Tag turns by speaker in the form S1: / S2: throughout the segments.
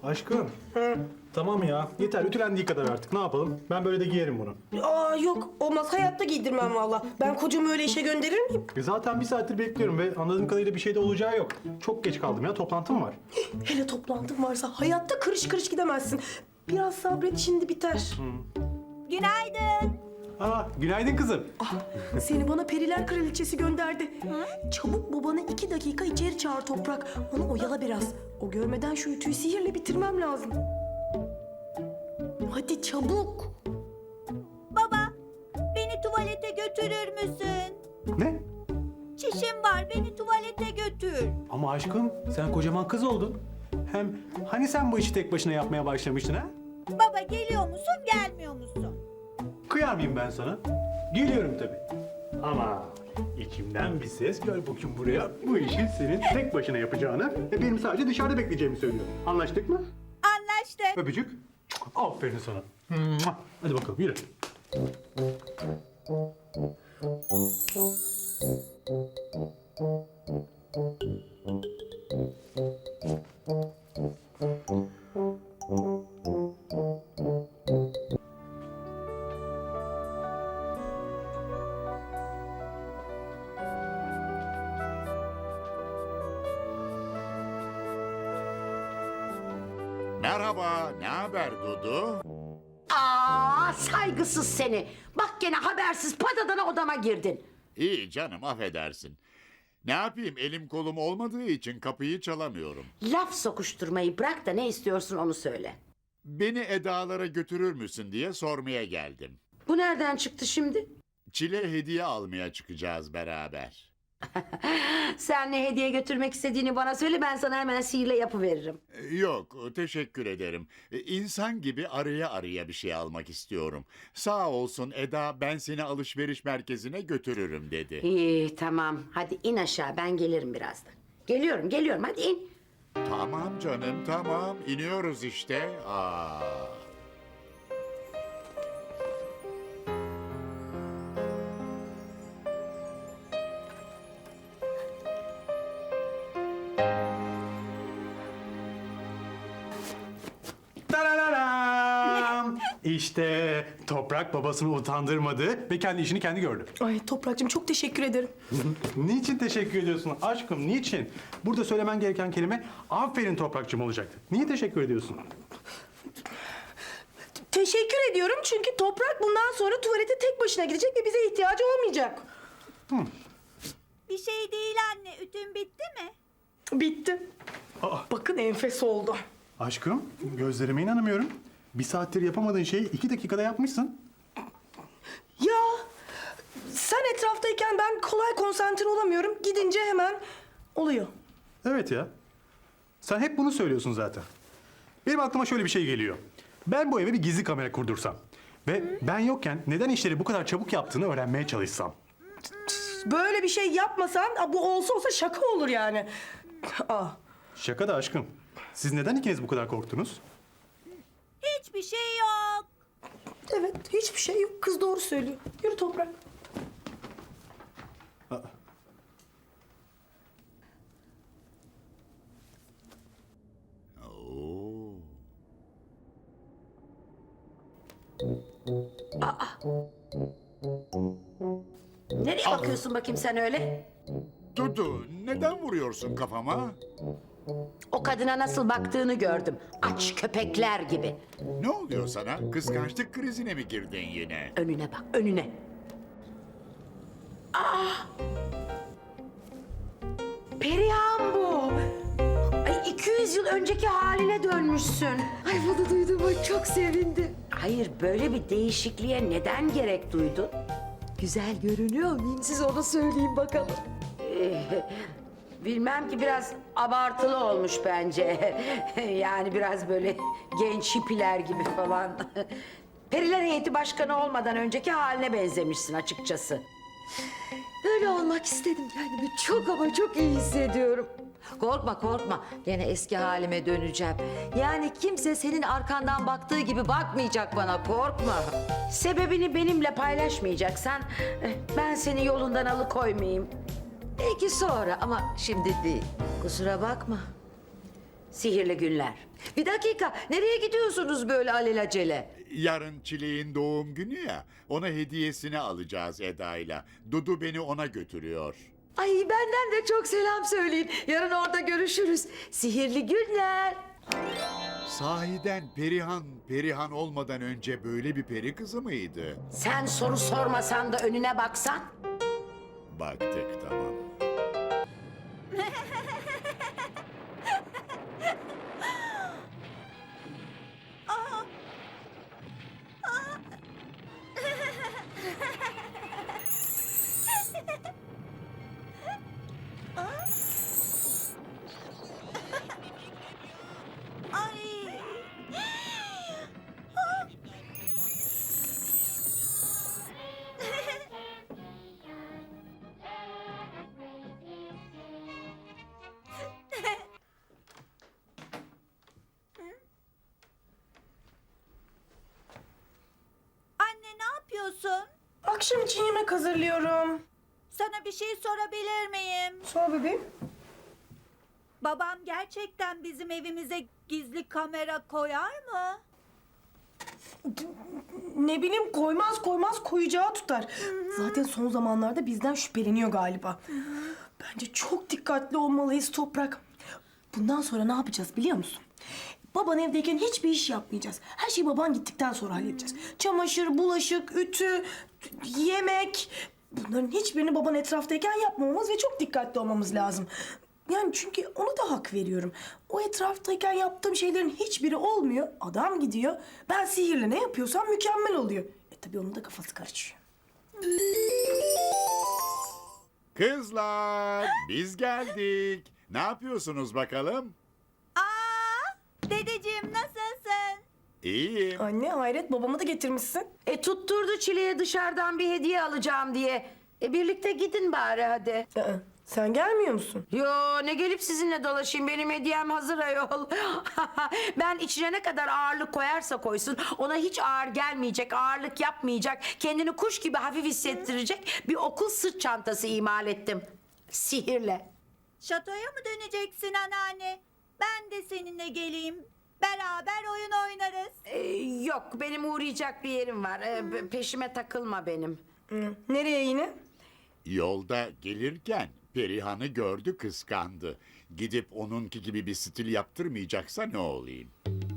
S1: Aşkım. Tamam ya. Yeter. Ütülendiği kadar artık. Ne yapalım? Ben böyle de giyerim bunu.
S2: Aa yok olmaz, hayatta giydirmem valla. Ben kocamı öyle işe gönderir miyim?
S1: Zaten bir saattir bekliyorum ve anladığım kadarıyla bir şey de olacağı yok. Çok geç kaldım ya. Toplantım var.
S2: Hele toplantın varsa hayatta kırış kırış gidemezsin. Biraz sabret, şimdi biter.
S3: Günaydın.
S1: Aa, günaydın kızım.
S2: Seni bana Periler Kraliçesi gönderdi. Çabuk babanı 2 dakika içeri çağır Toprak. Onu oyala biraz. O görmeden şu ütüyü sihirle bitirmem lazım. Hadi çabuk.
S3: Baba, beni tuvalete götürür müsün?
S1: Ne?
S3: Çişim var, beni tuvalete götür.
S1: Ama aşkım sen kocaman kız oldun. Hem hani sen bu işi tek başına yapmaya başlamıştın ha?
S3: Baba geliyor musun, gelmiyor musun?
S1: Kıyar mıyım ben sana? Geliyorum tabii. Ama içimden bir ses gel bakayım buraya. Bu işi senin tek başına yapacağını ve benim sadece dışarıda bekleyeceğimi söylüyor. Anlaştık mı?
S3: Anlaştık.
S1: Öpücük. Aferin sana. Mua. Hadi bakalım yürü.
S4: Merhaba, ne haber Dudu?
S5: Aa, saygısız seni. Bak gene habersiz patadana odama girdin.
S4: İyi canım, affedersin. Ne yapayım, elim kolum olmadığı için kapıyı çalamıyorum.
S5: Laf sokuşturmayı bırak da ne istiyorsun onu söyle.
S4: Beni Eda'lara götürür müsün diye sormaya geldim.
S5: Bu nereden çıktı şimdi?
S4: Çile hediye almaya çıkacağız beraber.
S5: Sen ne hediye götürmek istediğini bana söyle, ben sana hemen sihirle yapıveririm.
S4: Yok, teşekkür ederim. İnsan gibi araya araya bir şey almak istiyorum. Sağ olsun Eda, ben seni alışveriş merkezine götürürüm dedi.
S5: İyi tamam, hadi in aşağı, ben gelirim birazdan. Geliyorum hadi in.
S4: Tamam canım, tamam. İniyoruz işte.
S1: Tarararam! İşte Toprak babasını utandırmadı ve kendi işini kendi gördü.
S2: Ay Toprak'cığım çok teşekkür ederim.
S1: Niçin teşekkür ediyorsun aşkım, niçin? Burada söylemen gereken kelime aferin Toprakçım olacaktı. Niye teşekkür ediyorsun?
S2: Teşekkür ediyorum çünkü Toprak bundan sonra tuvalete tek başına gidecek ve bize ihtiyacı olmayacak.
S3: Bir şey değil anne, ütün bitti mi?
S2: Bitti.
S1: Aa.
S2: Bakın enfes oldu.
S1: Aşkım, gözlerime inanamıyorum. Bir saattir yapamadığın şeyi 2 dakikada yapmışsın.
S2: Ya sen etraftayken ben kolay konsantre olamıyorum. Gidince hemen oluyor.
S1: Evet ya. Sen hep bunu söylüyorsun zaten. Benim aklıma şöyle bir şey geliyor. Ben bu eve bir gizli kamera kurdursam ve ben yokken neden işleri bu kadar çabuk yaptığını öğrenmeye çalışsam.
S2: Böyle bir şey yapmasan bu olsa şaka olur yani. Aa.
S1: Şaka da aşkım. Siz neden ikiniz bu kadar korktunuz?
S3: Hiçbir şey yok.
S2: Evet hiçbir şey yok. Kız doğru söylüyor. Yürü Toprak.
S4: Oo.
S5: Nereye bakıyorsun bakayım sen öyle?
S4: Dudu, neden vuruyorsun kafama?
S5: O kadına nasıl baktığını gördüm. Aç köpekler gibi.
S4: Ne oluyor sana? Kıskançlık krizine mi girdin yine?
S5: Önüne bak, önüne. Perihan bu. Ay 200 yıl önceki haline dönmüşsün.
S6: Ay bunu duyduğuma çok sevindim.
S5: Hayır, böyle bir değişikliğe neden gerek duydun?
S6: Güzel görünüyor muyum? Siz onu söyleyin bakalım.
S5: Bilmem ki, biraz abartılı olmuş bence. Yani biraz böyle genç hippiler gibi falan. Periler Heyeti Başkanı olmadan önceki haline benzemişsin açıkçası.
S6: Böyle olmak istedim kendimi. Çok ama çok iyi hissediyorum. Korkma korkma. Gene eski halime döneceğim. Yani kimse senin arkandan baktığı gibi bakmayacak bana. Korkma.
S5: Sebebini benimle paylaşmayacaksan ben seni yolundan alıkoymayayım.
S6: Belki sonra ama şimdi değil. Kusura bakma.
S5: Sihirli günler.
S6: Bir dakika, nereye gidiyorsunuz böyle alelacele?
S4: Yarın Çileğin doğum günü ya, ona hediyesini alacağız Eda'yla. Dudu beni ona götürüyor.
S6: Ay benden de çok selam söyleyin. Yarın orada görüşürüz. Sihirli günler.
S4: Sahiden Perihan olmadan önce böyle bir peri kızı mıydı?
S5: Sen soru sormasan da önüne baksan.
S4: Baktık, tamam.
S3: Ay. Anne ne yapıyorsun?
S2: Akşam için yemek hazırlıyorum.
S3: Sana bir şey sorabilir miyim?
S2: Sor bebeğim.
S3: Babam gerçekten bizim evimize gizli kamera koyar mı?
S2: Ne bileyim koymaz koyacağı tutar. Zaten son zamanlarda bizden şüpheleniyor galiba. Bence çok dikkatli olmalıyız Toprak. Bundan sonra ne yapacağız biliyor musun? Baban evdeyken hiçbir iş yapmayacağız. Her şeyi baban gittikten sonra halledeceğiz. Çamaşır, bulaşık, ütü, yemek. Bunların hiçbirini baban etraftayken yapmamamız ve çok dikkatli olmamız lazım. Yani çünkü ona da hak veriyorum. O etraftayken yaptığım şeylerin hiçbiri olmuyor. Adam gidiyor. Ben sihirle ne yapıyorsam mükemmel oluyor. Tabii onun da kafası karışıyor.
S4: Kızlar, biz geldik. Ne yapıyorsunuz bakalım?
S3: Dedeciğim nasılsın?
S4: İyiyim.
S2: Anne hayret babamı da getirmişsin.
S5: Tutturdu Çile'ye dışarıdan bir hediye alacağım diye. Birlikte gidin bari hadi.
S2: Sen gelmiyor musun?
S5: Yo ne gelip sizinle dolaşayım, benim hediyem hazır ayol. Ben içine ne kadar ağırlık koyarsa koysun ona hiç ağır gelmeyecek, ağırlık yapmayacak, kendini kuş gibi hafif hissettirecek bir okul sırt çantası imal ettim. Sihirle.
S3: Şatoya mı döneceksin anneanne? Ben de seninle geleyim. Beraber oyun oynarız.
S5: Yok benim uğrayacak bir yerim var. Peşime takılma benim.
S2: Nereye yine?
S4: Yolda gelirken Perihan'ı gördü, kıskandı. Gidip onunki gibi bir stil yaptırmayacaksa ne olayım?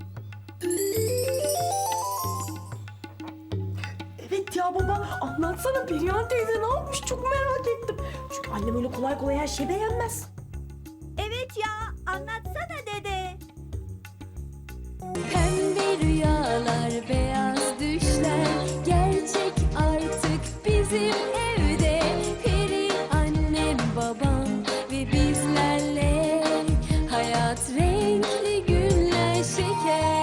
S2: Evet ya baba anlatsana Perihan teyze ne yapmış çok merak ettim. Çünkü annem öyle kolay kolay her şeyi beğenmez.
S3: Evet ya anlatsana dede.
S7: Pembe rüyalar, beyaz düşler gerçek artık bizim evde. Peri annem, babam ve bizlerle hayat renkli günler şeker.